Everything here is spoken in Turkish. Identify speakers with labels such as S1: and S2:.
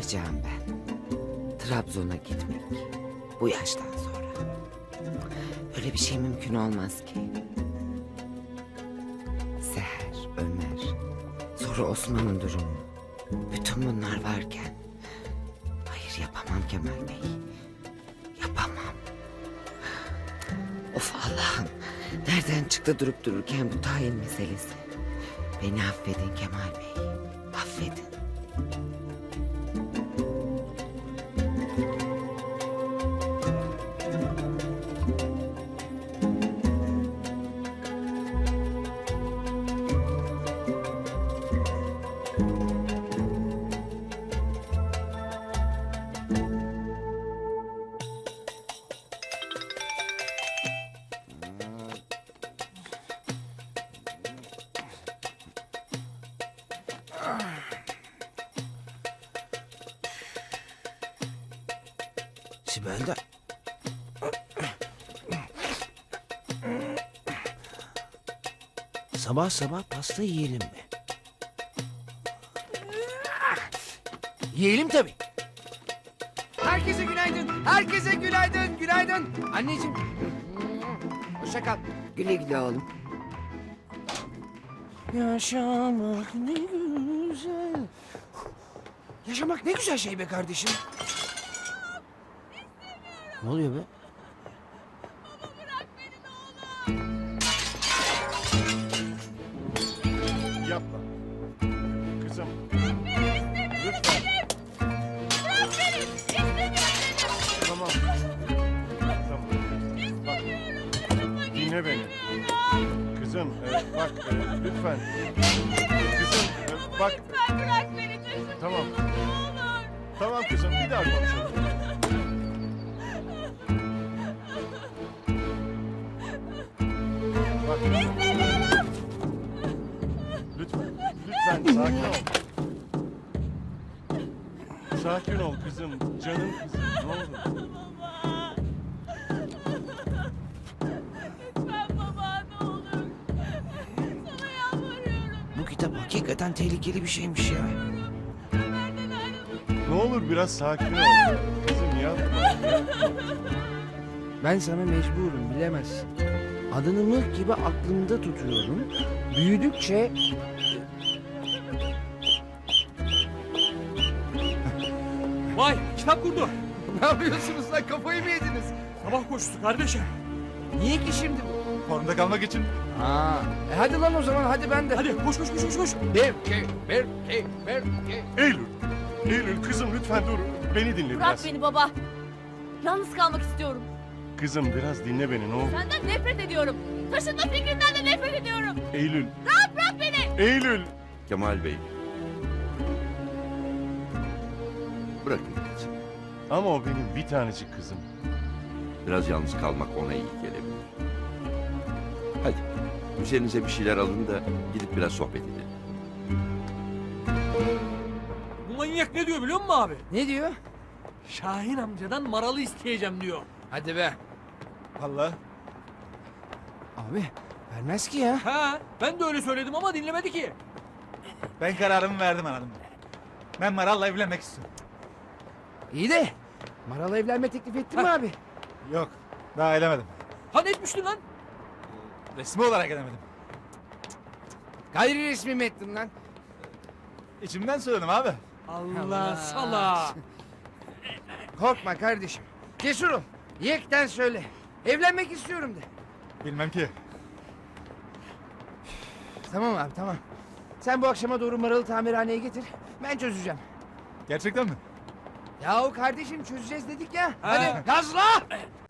S1: yapacağım ben? Trabzon'a gitmek. Bu yaştan sonra. Öyle bir şey mümkün olmaz ki. Seher, Ömer, sonra Osman'ın durumu. Bütün bunlar varken... Hayır, yapamam Kemal Bey. Yapamam. Of Allah'ım. Nereden çıktı durup dururken bu tayin meselesi? Beni affedin Kemal Bey. Affedin.
S2: Sibel de... Sabah sabah pasta yiyelim mi? Yiyelim tabii.
S3: Herkese günaydın. Herkese günaydın. Günaydın. Anneciğim. Hoşça kal.
S1: Güle güle oğlum.
S2: Yaşamak ne güzel.
S3: Yaşamak ne güzel şey be kardeşim.
S2: Ne oluyor be?
S4: Yapma. Kızım. Lütfen. Tamam. Tamam. Bak. Dinle beni. Kızım bak lütfen. Kızım bak.
S5: Bırak beni taşın.
S4: Tamam.
S5: Ne olur.
S4: Tamam kızım bir daha konuşalım. Bak. Lütfen. Lütfen sakin ol. Sakin ol kızım. Canım kızım. Ne olur.
S5: Baba. Lütfen baba ne olur. Sana yalvarıyorum.
S2: Bu kitap hakikaten tehlikeli bir şeymiş ya.
S5: Benden ayrılmak.
S4: Ne olur biraz sakin ol. Kızım yapma.
S2: Ben sana mecburum, bilemezsin. Adını mıh gibi aklımda tutuyorum. Büyüdükçe...
S6: Vay kitap kurdu.
S3: Ne yapıyorsunuz lan? Kafayı mı yediniz?
S6: Sabah koşusu kardeşim.
S3: Niye ki şimdi bu?
S4: Formda kalmak için.
S3: Hadi lan o zaman. Hadi ben de.
S6: Hadi koş koş koş koş koş.
S3: Bir.
S4: Eylül. Eylül kızım lütfen dur. Beni dinle
S5: Bırak
S4: biraz.
S5: beni baba. Yalnız kalmak istiyorum.
S4: Kızım biraz dinle beni ne olur.
S5: Senden nefret ediyorum. Taşınma fikrinden de nefret ediyorum.
S4: Eylül.
S5: Rahat bırak beni.
S4: Eylül.
S7: Kemal Bey. Bırakın gitsin.
S4: Ama o benim bir tanecik kızım.
S7: Biraz yalnız kalmak ona iyi gelebilir. Hadi üzerinize bir şeyler alın da gidip biraz sohbet edelim.
S6: Bu manyak ne diyor biliyor musun abi?
S3: Ne diyor?
S6: Şahin amcadan maralı isteyeceğim diyor.
S3: Hadi be.
S4: Vallahi.
S3: Abi vermez ki ya.
S6: Ha, ben de öyle söyledim ama dinlemedi ki.
S8: Ben kararımı verdim anladım. Ben Maral'la evlenmek istiyorum.
S3: İyi de Maral'a evlenme teklif ettin mi abi?
S8: Yok, daha edemedim.
S6: Ha ne etmiştin lan?
S8: Resmi olarak edemedim.
S3: Gayri resmi mi ettin lan?
S8: İçimden söyledim abi.
S6: Allah sala.
S3: Korkma kardeşim. Cesur ol. Yekten söyle. Evlenmek istiyorum de.
S8: Bilmem ki.
S3: Tamam abi tamam. Sen bu akşama doğru Maral'ı tamirhaneye getir. Ben çözeceğim.
S8: Gerçekten mi?
S3: Yahu kardeşim çözeceğiz dedik ya.
S6: Ha.
S3: Hadi gazla.